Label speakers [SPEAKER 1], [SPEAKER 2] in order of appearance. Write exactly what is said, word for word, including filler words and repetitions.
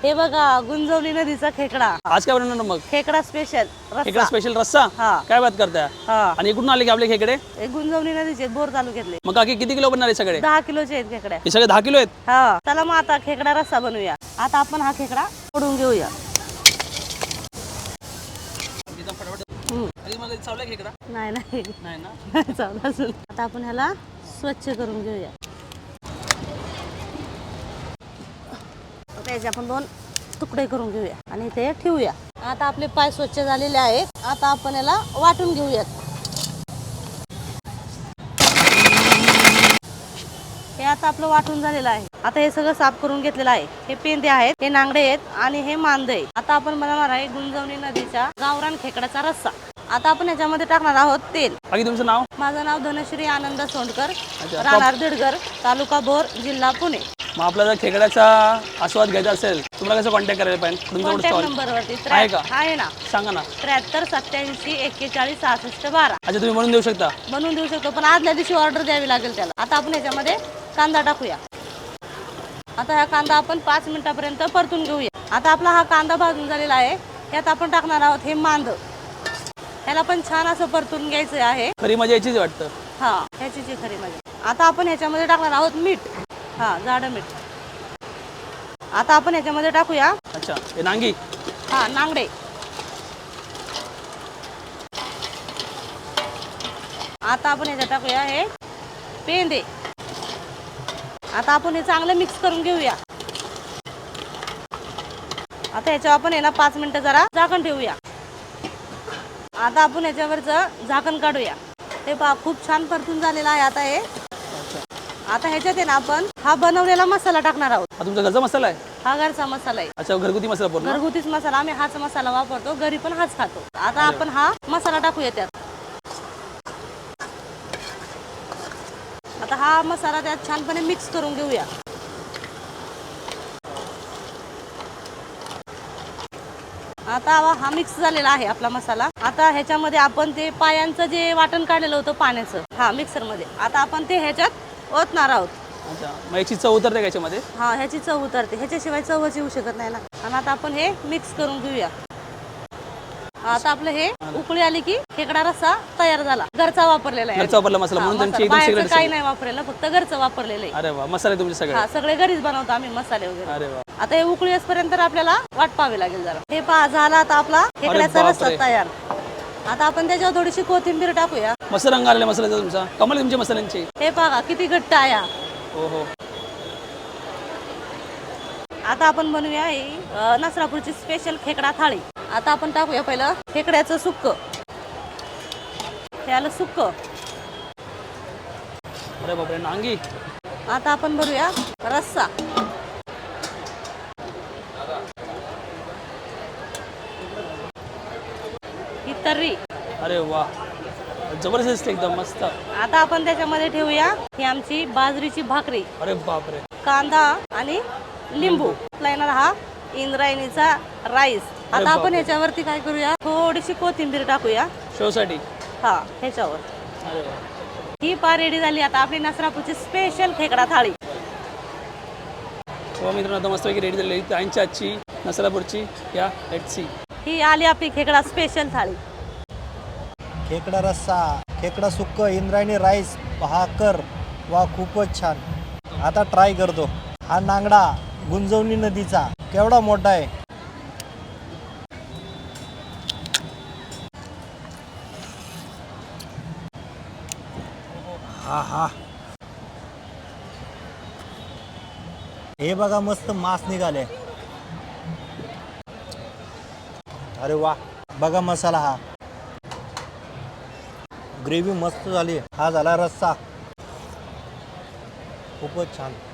[SPEAKER 1] हे बघा गुंजवली नदीचा खेकडा।
[SPEAKER 2] आज काय बनवणार मग?
[SPEAKER 1] खेकडा स्पेशल
[SPEAKER 2] खेकडा स्पेशल रस्सा।
[SPEAKER 1] हा
[SPEAKER 2] काय बात करताय?
[SPEAKER 1] हा
[SPEAKER 2] आणि कुठून आले की आपले खेकडे?
[SPEAKER 1] हे गुंजवली नदीचे बोर तालुक्यातले।
[SPEAKER 2] मग काकी किती किलो बनणार आहे सगळे?
[SPEAKER 1] दहा किलोचे आहेत खेकड्या।
[SPEAKER 2] हे सगळे दहा किलो आहेत?
[SPEAKER 1] हा चला मग आता खेकडा रस्सा बनवूया। आता आपण हा खेकडा फोडून घेऊया।
[SPEAKER 2] खेकडा
[SPEAKER 1] नाही नाही
[SPEAKER 2] नाही ना
[SPEAKER 1] चावला असेल। आता आपण ह्याला स्वच्छ करून घेऊया। त्याचे आपण दोन तुकडे करून घेऊया आणि ते ठेवूया। आता आपले पाय स्वच्छ झालेले आहेत। आता आपण याला वाटून घेऊयात। हे आता आपलं वाटून झालेलं आहे। आता हे सगळं साफ करून घेतलेलं आहे। हे पेंदे आहेत, हे नांगडे आहेत आणि हे मांदे आहे। आता आपण बनवणार आहे गुंजवणी नदीच्या गावरान खेकड्याचा रस्सा। आता आपण याच्यामध्ये टाकणार आहोत तेल।
[SPEAKER 2] बाकी तुमचं नाव?
[SPEAKER 1] माझं नाव धनश्री आनंद सोंडकर, राहणार दिडगर, तालुका भोर, जिल्हा पुणे।
[SPEAKER 2] मग आपल्याला खेकड्याचा आस्वाद घ्यायचा असेल तुम्हाला कसं कॉन्टॅक्ट करायला पाहिजे?
[SPEAKER 1] कॉन्टॅक्ट नंबरवरती
[SPEAKER 2] आहे का?
[SPEAKER 1] आहे ना,
[SPEAKER 2] सांगा ना।
[SPEAKER 1] त्र्याहत्तर सत्याऐंशी एक्केचाळीस सहासष्ट बारा।
[SPEAKER 2] अच्छा तुम्ही म्हणून देऊ शकता?
[SPEAKER 1] बनवून देऊ शकतो, पण आदल्या दिवशी ऑर्डर द्यावी लागेल त्याला। आता आपण याच्यामध्ये कांदा टाकूया। आता हा कांदा आपण पाच मिनिटापर्यंत परतून घेऊया। आता आपला हा कांदा भाजून झालेला आहे। यात आपण टाकणार आहोत हे मांद। ह्याला पण छान असं परतून घ्यायचं आहे।
[SPEAKER 2] खरी मजा याचीच वाटतं।
[SPEAKER 1] हा ह्याची जी खरी मजा। आता आपण ह्याच्यामध्ये टाकणार आहोत मीठ। हा जाडं मीठ। आता आपण ह्याच्यामध्ये टाकूया
[SPEAKER 2] अच्छा हे नांगी।
[SPEAKER 1] हा नांगडे। आता आपण ह्याच्यात टाकूया हे पेंदे। आता आपण हे चांगलं मिक्स करून घेऊया। आता ह्याच्यावर आपण आहे ना पाच मिनिटं जरा झाकण ठेवूया। आता आपण ह्याच्यावरचं झाकण काढूया। ते पहा खूप छान परतून झालेलं आहे। आता हे आता ह्याच्यात आहे ना आपण हा बनवलेला मसाला टाकणार आहोत।
[SPEAKER 2] हा तुमचा घरचा मसाला आहे?
[SPEAKER 1] हा घरचा मसाला आहे।
[SPEAKER 2] अच्छा घरगुती मसाला पूर्ण?
[SPEAKER 1] घरगुतीच मसाला, आम्ही हाच मसाला वापरतो, घरी पण हाच खातो। आता आपण हा मसाला टाकूया त्यात। आता हा मसाला त्यात छानपणे मिक्स करून घेऊया। आता हा मिक्स झालेला आहे आपला मसाला। आता ह्याच्यामध्ये आपण ते पायांचं जे वाटण काढलेलं होतं पाण्याचं, हा मिक्सर मध्ये आता आपण ते ह्याच्यात ओतणार आहोत।
[SPEAKER 2] अच्छा मग याची चव उतरते का याच्यामध्ये?
[SPEAKER 1] हा ह्याची चव उतरते, ह्याच्याशिवाय चवच येऊ शकत नाही ना। आणि आता आपण हे मिक्स करून घेऊया। आता आपलं हे उकळी आली की खेकडा रस्सा तयार झाला। घरचा वापरलेला आहे।
[SPEAKER 2] घरचा वापरला मसाला म्हणून त्यांची एकदम
[SPEAKER 1] बाहेरचं
[SPEAKER 2] सिक्रेट
[SPEAKER 1] काही नाही वापरलेलं, फक्त घरचं वापरलेलं आहे।
[SPEAKER 2] अरे वा मसाले तुमचे सगळे?
[SPEAKER 1] हा सगळे घरीच बनवतो आम्ही मसाले वगैरे।
[SPEAKER 2] अरे वा।
[SPEAKER 1] आता हे उकळी असपर्यंत आपल्याला वाट पाहावी लागेल जरा। हे पहा झाला आता आपला खेकड्याचा रस्सा तयार। आता आपण त्याच्यावर थोडीशी कोथिंबीर टाकूया।
[SPEAKER 2] मस्त रंग आलेला मसाल्याचा तुमचा, कमाल तुमच्या मसाल्यांची।
[SPEAKER 1] हे पहा किती घट्ट आहे।
[SPEAKER 2] हो हो।
[SPEAKER 1] आता आपण बनवूया ही नसरापूरची स्पेशल खेकडा थाळी। आता आपण टाकूया पहिलं खेकड्याचं सुक्क। हे आलं सुक्क।
[SPEAKER 2] अरे बापरे नांगी।
[SPEAKER 1] आता आपण बनवूया रस्सा। ही तर्री।
[SPEAKER 2] अरे वा जबरदस्त एकदम मस्त।
[SPEAKER 1] आता आपण त्याच्यामध्ये ठेवूया ही आमची बाजरीची भाकरी।
[SPEAKER 2] अरे बापरे।
[SPEAKER 1] कांदा आणि लिंबू लायनर हा इंद्रायणीचा राईस। आता आपण ह्याच्यावरती काय करूया, थोडीशी कोथिंबीर टाकूया
[SPEAKER 2] शोसाठी।
[SPEAKER 1] हा ह्याच्यावर।
[SPEAKER 2] अरे वा
[SPEAKER 1] ही पा रेडी झाली आता आपली नसरापूरची स्पेशल खेकडा थाळी।
[SPEAKER 2] हो मित्रांनो आता मस्तपैकी रेडी झालेली ताईंची आजची नसरापूरची या लेट्स सी।
[SPEAKER 1] ही आली आपली खेकडा स्पेशल थाळी।
[SPEAKER 3] खेकडा रस्सा, खेकडा सुक्क, इंद्रायणी राईस, भाकर, वा खूपच छान। आता ट्राय करतो। हा नांगडा गुंजवणी नदीचा केवढा मोठा आहे। हा हा हे बघा मस्त मांस निघाले। अरे वा बघा मसाला, हा ग्रेव्ही मस्त झाली। हा झाला रस्सा खूपच छान।